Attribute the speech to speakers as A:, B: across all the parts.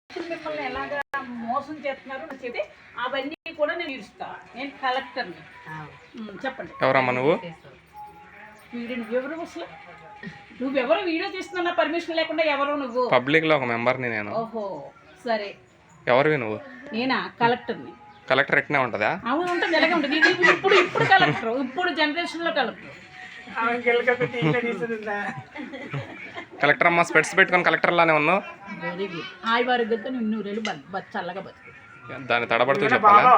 A: మిమ్మల్ని ఎలాగా మోసం చేస్తున్నారు చెప్తే అవన్నీ కూడా నేను ఇస్తాను. నేను కలెక్టర్ని. చెప్పండి.
B: ఎవరమ్మా నువ్వు?
A: వీడియో నువ్వెవరు అసలు? నువ్వెవరు వీడియో తీస్తున్నా పర్మిషన్ లేకుండా? ఎవరు నువ్వు?
B: పబ్లిక్ లో ఒక మెంబర్ని నేను.
A: ఓహో సరే.
B: ఎవరివి నువ్వు?
A: నేనా? కలెక్టర్ని.
B: కలెక్టర్ ఎట్నే ఉంటుందా?
A: అవును ఉంటుంది, ఎలాగే ఉంటుంది. ఇప్పుడు కలెక్టర్, ఇప్పుడు జనరేషన్ లో కలెక్టర్.
B: కలెక్టర్ అమ్మ స్పెట్స్ పెట్టుకొని కలెక్టర్ లానే ఉన్నావు.
A: Very good. ఆయువారోగ్యంతో నిన్ను రేళ్ళు చల్లగా బతుకు.
B: దాన్ని తడబడుతూ చెప్పాలా?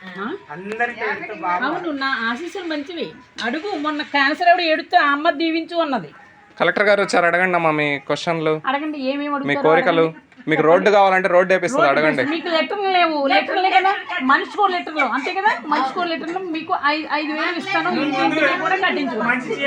A: అవును, నా ఆశీస్సులు మంచివి. అడుగు. మొన్న క్యాన్సర్ ఆవిడ ఏడుతూ ఆ అమ్మ దీవించు అన్నది.
B: కలెక్టర్ గారు వచ్చారు, అడగండి అమ్మా మీ క్వశ్చన్లు.
A: అడగండి. ఏమేమి
B: మీ కోరికలు. మీకు రోడ్డు కావాలంటే రోడ్డు వేపిస్తుంది, అడగండి.
A: మీకు లెటర్లు లేవు? లెటర్లే కదా, మనిషికో లెటర్లు అంతే కదా. మనిషికో లెటర్లు మీకు 5,000 ఇస్తాను. కూడా కట్టించు.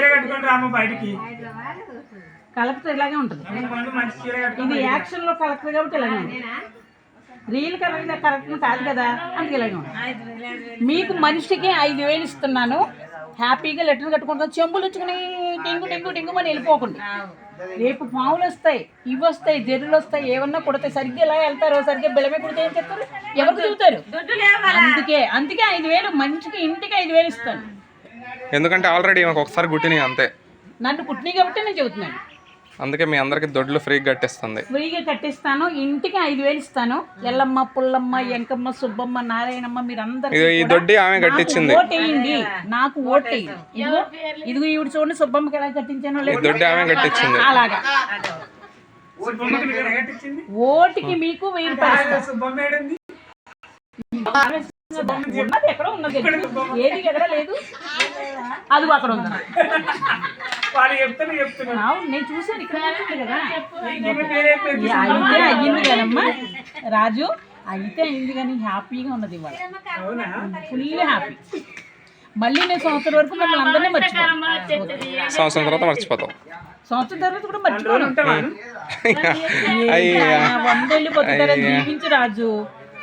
A: కలెక్టర్ ఇలాగే ఉంటుంది. ఇది యాక్షన్ లో కలెక్టర్ కాబట్టి ఇలాగే ఉంటుంది. రియల్ కలెక్టర్ కాదు కదా, అందుకే ఇలాగే ఉంటుంది. మీకు మనిషికి 5,000 ఇస్తున్నాను. హ్యాపీగా లెటర్ కట్టుకుంటాను. చెంబులు వచ్చుకుని టెంగు టెంగు టెంగు అని వెళ్ళిపోకండి. రేపు పావులు వస్తాయి, ఇవి వస్తాయి, జర్రులు వస్తాయి, ఏమన్నా కుడతాయి. సరిగ్గా ఎలా వెళ్తారో, సరిగ్గా బెలమే కుడితే ఏం చెప్తారు? ఎవరు తిరుగుతారు? అందుకే 5,000 మనిషికి, ఇంటికి 5,000 ఇస్తాను.
B: ఎందుకంటే ఆల్రెడీ ఒకసారి గుట్టినాయి అంతే.
A: నన్ను పుట్టినాయి కాబట్టి నేను చెబుతున్నాను.
B: అందుకే మీ అందరికి దొడ్లు ఫ్రీగా కట్టిస్తుంది.
A: ఫ్రీగా కట్టిస్తాను. ఇంటికి 5,000 ఇస్తాను. ఎల్లమ్మ, పుల్లమ్మ, ఎంకమ్మ, సుబ్బమ్మ, నారాయణమ్మ మీరందరూ
B: ఈ దొడ్డి ఆమె కట్టించింది.
A: ఓటేయండి, నాకు ఓటేయండి. ఇదిగో ఈవిడ చూడండి, సుబ్బమ్మకి ఎలా కట్టించానో. లేదు,
B: దొడ్డి ఆమె కట్టించింది.
A: అలాగా ఓటికి మీకు 1000 రూపాయలు. ఉన్నది ఎక్కడ ఉన్నది, ఏది ఎక్కడ లేదు. అది అక్కడ ఉంది. నేను చూసాను ఇక్కడ కదా. అయితే అయ్యింది కదమ్మా రాజు, అయితే అయింది కానీ హ్యాపీగా ఉన్నది ఇవాళ. Full happy. మళ్ళీ నేను సంవత్సరం వరకు మిమ్మల్ని అందరినీ మర్చిపోతాను.
B: సంవత్సరం తర్వాత మర్చిపోతాం.
A: సంవత్సరం తర్వాత కూడా మర్చిపోను. 100 ఏళ్ళు బతుకుతారని దీవించి రాజు.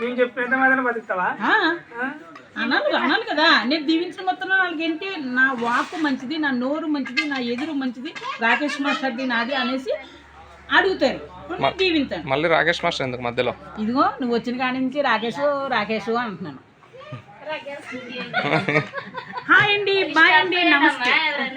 A: అనాలి కదా. నేను దీవించిన మొత్తం వాళ్ళకేంటి, నా వాకు మంచిది, నా నోరు మంచిది, నా ఎదురు మంచిది, రాకేష్ మాస్టర్ది నాది అనేసి అడుగుతారు. దీవించాను.
B: మళ్ళీ రాకేష్ మాస్టర్ ఎందుకు మధ్యలో?
A: ఇదిగో నువ్వు వచ్చిన కాడి నుంచి రాకేష్ అంటున్నాను. హాయ్ అండి, బాయ్ అండి, నమస్తే.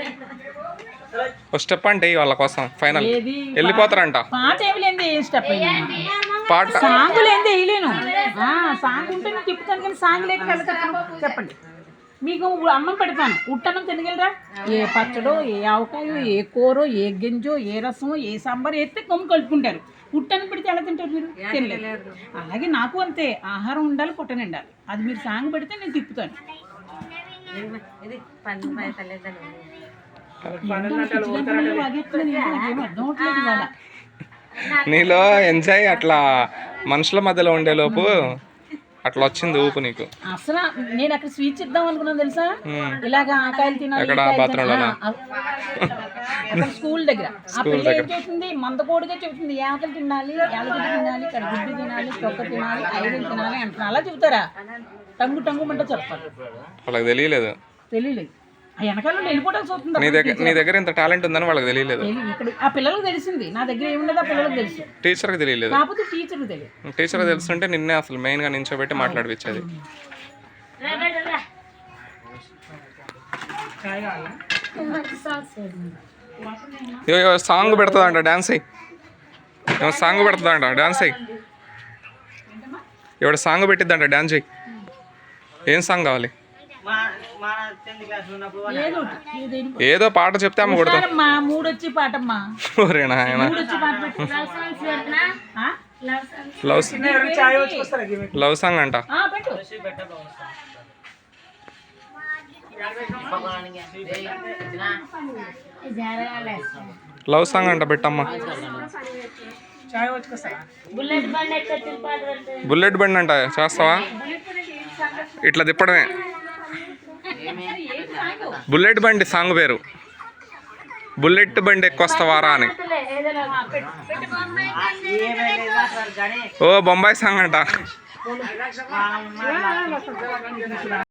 B: ఒక స్టెప్ అంటే వాళ్ళ కోసం ఫైనల్ వెళ్ళిపోతారంట.
A: పాట ఏమి లేదు. ఏం స్టెప్
B: పాట
A: సాంగ్ లేదు, వేయలేను. సాంగ్ ఉంటే నేను తిప్పుతాను కానీ సాంగ్ లేక చెప్పండి. మీకు అన్నం పెడతాను. ఉట్టన్నం తినగలరా? ఏ పచ్చడో, ఏ ఆవకాయో, ఏ కూరో, ఏ గింజో, ఏ రసమో, ఏ సాంబార్ ఎత్తే కొమ్ము కలుపుకుంటారు. ఉట్టన్నం పెడితే ఎలా తింటారు మీరు? తినలేదు. అలాగే నాకు అంతే. ఆహారం ఉండాలి, పుట్ట నిండాలి. అది మీరు సాంగ్ పెడితే నేను తిప్పుతాను.
B: నీలో ఎంజాయ్ అట్లా మనుషుల మధ్యలో ఉండే లోపు అట్లా వచ్చింది ఊపు నీకు.
A: అసలు నేను అక్కడ స్వీట్స్ ఇద్దాం అనుకున్నాను తెలుసా. ఇలాగా ఆకాయలు తినాలి. స్కూల్ దగ్గర ఆ పిల్ల ఏం చెబుతుంది, మందకోడిగా చెబుతుంది. ఏకలు తినాలి, యాలగడ్డ తినాలి, కడుగుడ్డు తినాలి, తొక్క తినాలి, 5 తినాలి అంటున్నా. అలా చెబుతారా? టంగుమంటే చెప్పాలి.
B: వాళ్ళకి తెలియలేదు.
A: వెనకాల వెళ్ళిపోవడానికి వస్తుంది.
B: నీ దగ్గర ఇంత టాలెంట్ ఉందని వాళ్ళకి తెలియలేదు.
A: ఇక్కడ ఆ పిల్లలకు తెలిసింది. నా దగ్గర ఏముండదు, ఆ పిల్లలకు తెలుసు.
B: టీచర్కి తెలియలేదు.
A: కాకపోతే టీచర్కి తెలియదు.
B: టీచర్కి తెలుసుంటే నిన్నే అసలు మెయిన్గా నించోబెట్టి మాట్లాడిపించేది. సాంగ్ పెడుతుందంట, డాన్స్ అయ్యి. సాంగ్ పెడుతుందంట, డాన్స్ అయ్యి. ఎవడ సాంగ్ పెట్టిద్దంట, డాన్స్ అయ్యి. ఏం సాంగ్ కావాలి? ఏదో పాట చెప్తే అమ్మ కొడతా.
A: మూడొచ్చి పాటమ్మా.
B: లవ్ సాంగ్ అంట. లవ్ సాంగ్ అంట పెట్టమ్మా. బుల్లెట్ బండి అంట, చేస్తావా? ఇట్లా తిప్పడమే. బుల్లెట్ బండి సాంగ్ పేరు. బుల్లెట్ బండి ఎక్కువస్తావారా అని. ఓ బొంబాయి సాంగ్ అంట.